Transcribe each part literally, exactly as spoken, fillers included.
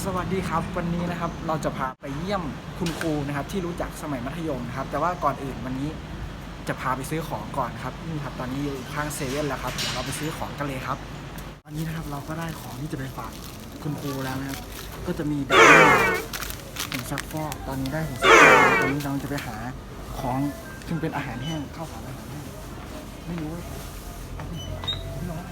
สวัสดีครับวันนี้นะครับเราจะพาไปเยี่ยมคุณครูนะครับที่รู้จักสมัยมัธยมนะครับแต่ว่าก่อนอื่นวันนี้จะพาไปซื้อของก่อนครับนี่ครับตอนนี้อยู่ข้างเซเว่นแล้วครับเดี๋ยวเราไปซื้อของกันเลยครับตอนนี้นะครับเราก็ได้ของที่จะไปฝากคุณครูแล้วนะครับก็จะมีแบบผงซักฟอกตอนนี้ได้ผงซักฟอกตอนนี้เราจะไปหาของซึ่งเป็นอาหารแห้งข้าวสารอาหารแห้งไม่รู้ว่าไม่รู้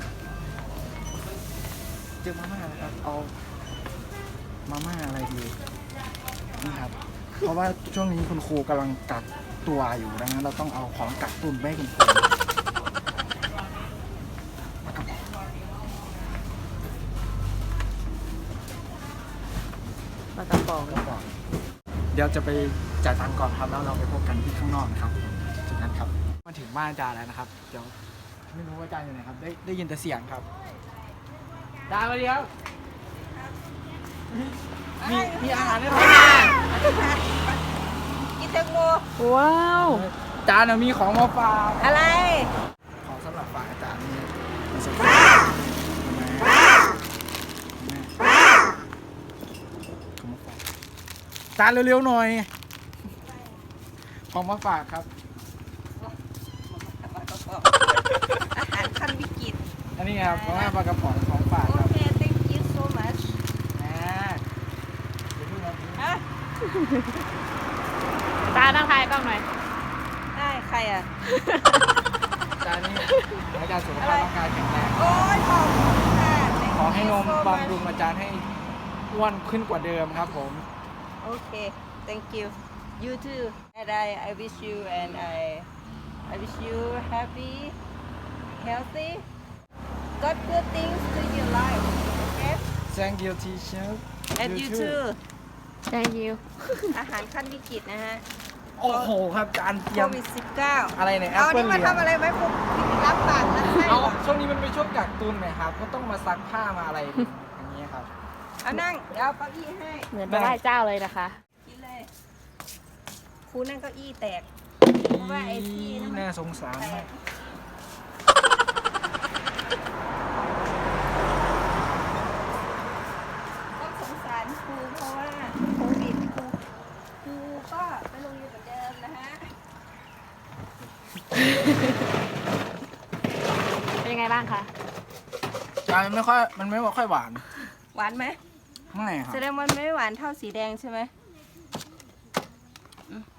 เจอมาม่านะครับเอามาม่าอะไรดีนี่ครับเพราะว่าช่วงนี้คุณครูกำลังกักตัวอยู่ดังนั้นเราต้องเอาของกักตุนไปให้คุณครูปลากระป๋องแล้วก็เดี๋ยวจะไปจ่ายตังค์ก่อนครับแล้วเราไปพบกันที่ข้างนอกนะครับจากนั้นครับมาถึงบ้านอาจารย์แล้วนะครับเดี๋ยวไม่รู้ว่าอาจารย์อยู่ไหนครับได้ได้ยินแต่เสียงครับอาจารย์สวัสดีครับมีมีอาหารให้ทานกินแตงโมว้าวอาจารย์มีของมาฝากอะไรของสำหรับฝากอาจารย์นี่มาสักคอาจารย์เร็วๆหน่อยของมาฝากครับอาหารขั้นวิกฤตอันนี้ครับของแม่ปลากระป๋องของฝากโอครับเค thank you so much อ่าเดี๋ยวเพิ่งมาดูฮะตาตั้งทายกล้องหน่อยได้ใครอ่ะอาจารย์นี่อาจารย์สุขภาพร่างกายแข็งแรงโอ้ยขอบคุณค่ะ Thank ขอให้น you ม so บำ much รุงอาจารย์ให้อ้วนขึ้นกว่าเดิมครับผมโอเค thank you you too and I I wish you and I I wish you happy healthy got good things to your life okay Thank you teacher and you too thank you อาหารขั้นวิกฤตนะฮะโอ้โหครับอาจารย์เตโครียมวิดสิบเก้าอะไรเนี่ยแอปเอาเปิ้ลนี่มาเหลืองทำอะไรไหมพวกรับปากรับให้เอาเหรอช่วงนี้มันเป็นช่วงกักตุนไหมครับ ก็ต้องมาซักผ้ามาอะไรอย่างนี้ครับเอานั่งเดี๋ยวเอาเก้าอี้ให้เหมือนไปไหว้เจ้าเลยนะคะกินเลยครูนั่งเก้าอี้แตก เพราะว่าไอ้ที่นั่นมันน่าสงสารมากต้องสงสารครูเพราะว่าโควิดครูครูก็ไปโรงเรียนเหมือนเดิมนะฮะเป็นยังไงบ้างคะจานมันไม่ค่อยมันไม่ค่อยหวานหวานไหมไม่ครับแสดงว่ามันไม่หวานเท่าสีแดงใช่ไหมอืม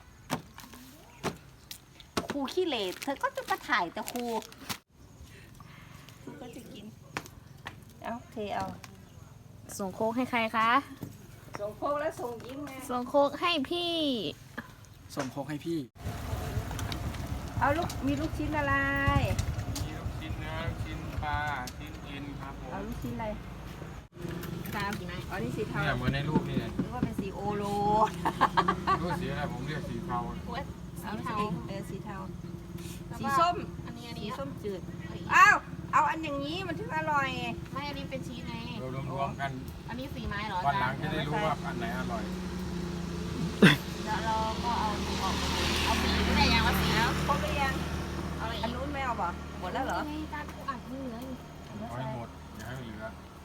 ครูขี้เหร่เธอก็จะมาถ่ายแต่ครูครูก็จะกิน เอาเทเอาส่งโค้กให้ใครคะส่งโคกแล้วส่งยิ้มไงส่งโค้กให้พี่ส่งโคกให้พี่เอาลูกมีลูกชิ้นอะไรมีลูกชิ้นเนื้อลูกชิ้นปลาชิ้นเอ็นครับผมเอาลูกชิ้นอะไรตามกี่ไหมอ๋อนี่สีเทาเนี่ยเหมือนในรูปนี่เลยหรือว่าเป็นสีโอโลรูปสีอะไรผมเรียกสีเทาสีเทาเออสีเทา สีส้มอันนี้อันสีนี้ส้มจืด อ้าว เอาอันอย่างนี้มันถึงอร่อยไม่อันนี้เป็นชีสไงเรารวมๆกันอันนี้สีไม้เหรอวันหลังจะได้รู้ว่าอันไหนอร่อยแล้วเราก็เอาออกเอาสีไม่ได้ยังว่าสีแล้วครบหรือยังเอาอะไรอันนู้นไม่เอาบ่หมดแล้วเหรอไม่จานกูอัดมือเลยเอาให้หมดอย่าให้เหลือ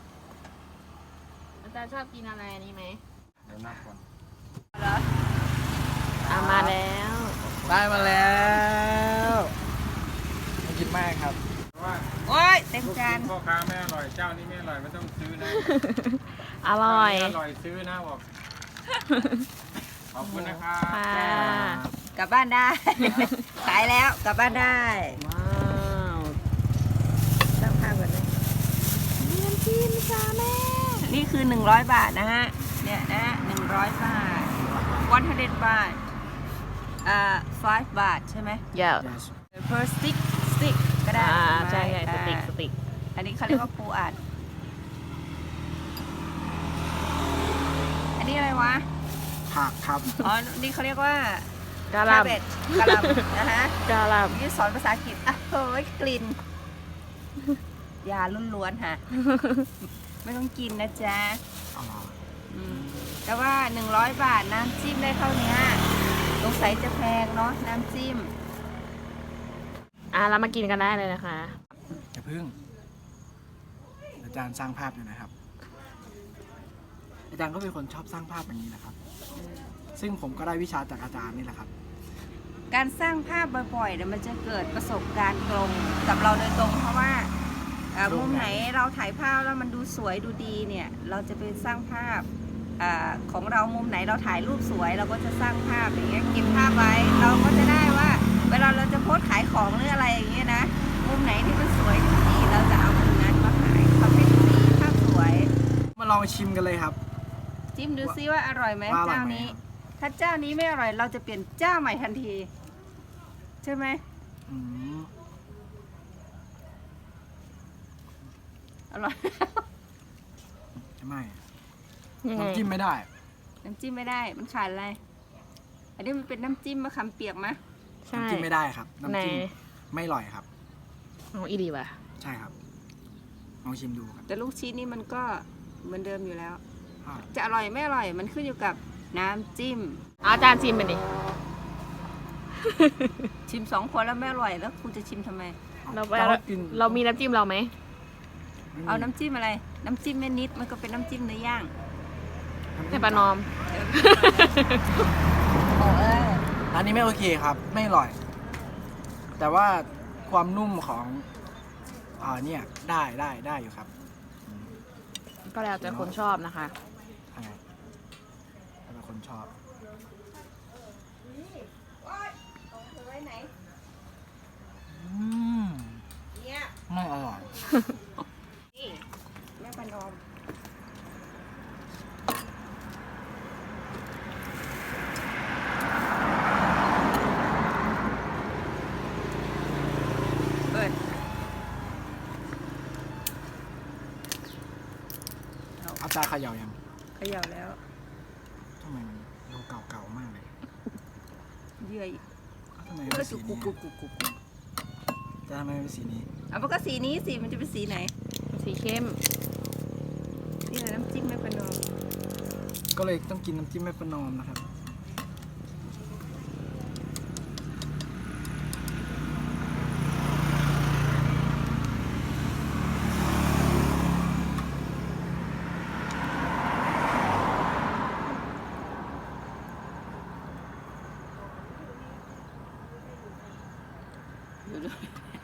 อาจารย์ชอบกินอะไรอันนี้ไหมเดี๋ยวนับก่อนเหรออ่ะมาแล้วได้มาแล้วไม่คิดมากครับเพราะว่าโอ้ยเต็มลูกจาชิ้นนพ่อค้าไม่อร่อยเจ้านี้ไม่อร่อยไม่ต้องซื้อนะอร่อยเจ้านี้อร่อยซื้อนะบอกขอบคุณนะครับค่ะกลับบ้านได้ ขายแล้วกลับบ้านได้ว้าวตั้งภาพก่อนเลยเรียนจีนจ้าแม่นี่คือหนึ่งร้อยบาทนะฮะ เนี่ยนะหนึ่งร้อยบาทวันเดบาทอ่า five บาทใช่ไหมเยอะ yes per stick stick ก็ได้อ่าใช่ไหมใช่สติกอ่าสติกอันนี้เขาเรียกว่าปูอัด อันนี้อะไรวะผักครับอ๋อ นี่เขาเรียกว่ากะหล่เบตกะหล่ำนะฮะำกะหล่นี่สอนภาษาอังกฤษอ่ะเฮ้ยกลิ่น ยาล้วนๆค่ะ ไม่ต้องกินนะจ๊ะอ๋ออืมแต่ว่าหนึ่งร้อยบาทน้ำจิ้มได้เท่านี้สงสัยจะแพงเนาะน้ำจิ้มำอ่ะเรามากินกันได้เลยนะคะอย่าพึ่งอาจารย์สร้างภาพอยู่นะครับอาจารย์ก็เป็นคนชอบสร้างภาพอย่างนี้นะครับ ซึ่งผมก็ได้วิชาจากอาจารย์นี่แหละครับการสร้างภาพบ่อยๆเนี่ยมันจะเกิดประสบการณ์ตรงกับเราโดยตรงเพราะว่าเอ่อตรงไหนมุมไหนเราถ่ายภาพแล้วมันดูสวยดูดีเนี่ยเราจะไปสร้างภาพอาของเรามุมไหนเราถ่ายรูปสวยเราก็จะสร้างภาพอย่างเงี้ยเก็บภาพไว้เราก็จะได้ว่า เวลาเราจะโพสต์ขายของหรืออะไรอย่างเงี้ยนะมุมไหนที่มันสวยดูดีเราจะเอามุมนั้นมาขายทำให้ดูดีภาพสวยมาลองชิมกันเลยครับจิ้มดูซิว่าอร่อยไหมว่าอร่อยเจ้าไหมนี้ครับถ้าเจ้านี้ไม่อร่อยเราจะเปลี่ยนเจ้าใหม่ทันทีใช่ไหมอืมอร่อยไม่ยังไงน้ำจิ้มไม่ได้น้ำจิ้มไม่ได้มันขาดอะไร อันนี้มันเป็นน้ำจิ้มมะขามเปียกมะใช่น้ำจิ้มไม่ได้ครับไหนน้ำจิ้มไม่อร่อยครับเอาอีดีว่ะใช่ครับ ลองชิมดูครับแต่ลูกชิ้นนี่มันก็เหมือนเดิมอยู่แล้วอ่าจะอร่อยไม่อร่อยมันขึ้นอยู่กับน้ำจิ้มเอาอาจารย์ชิมไปดิชิมสองคนแล้วไม่อร่อยแล้วคุณจะชิมทำไมเราไปแต่ว่กินเรามีน้ำจิ้มเราไหมเอาน้ำจิ้มอะไร น้ำจิ้มแม่นิดมันก็เป็นน้ำจิ้มเนื้อย่างแต่ปลานอมโอ้เออร้านนี้ไม่โอเคครับ ไม่อร่อย แต่ว่าความนุ่มของอ่าเนี่ยได้ได้ได้อยู่ครับก็แล้วแต่คนชอบนะคะใช่แล้วแต่คนชอบไว้ไหนอืมเนี่ยไม่อร่อยนี่แม่ปานอมเปิดอาจารย์เขย่ายังเขย่าแล้วทำไมมันดูเก่าๆมากเลยเยื่อทำไมเอเป็อนสีกุกนี้กุกกุกกุกกุกจะทำไมเป็นสีนี้เอามันก็สีนี้สิมันจะเป็นสีไหนสีเข้มนี่แหละน้ำจิ้มแม่ปานอมก็เลยต้องกินน้ำจิ้มแม่ประนอมนะครับดูดู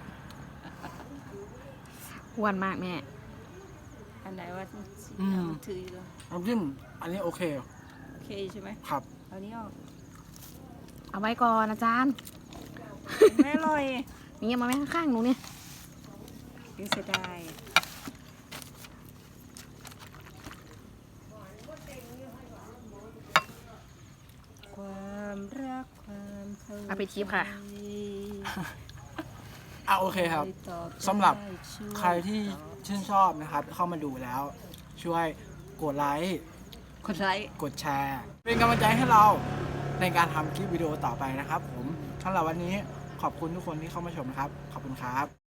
อ้วนมากแม่อันไหนว่าอืมเอาถืออยู่น้ำจิ้มอันนี้โอเคโอเคใช่ไหมครับเอานี้ออกเอาไว้ก่อนอาจารย์ไม่อร่อยนี่มาไว้ข้างๆหนูเนี่ยยังเสียดายความรักความเข้าเอาไปทิปค่ะอ่ะโอเคครับ สำหรับใครที่ชื่นชอบนะครับ เข้ามาดูแล้ว ช่วยกดไลค์กดไลค์กดแชร์ เป็นกำลังใจให้เราในการทำคลิปวิดีโอต่อไปนะครับผมสำหรับวันนี้ขอบคุณทุกคนที่เข้ามาชมนะครับ ขอบคุณครับ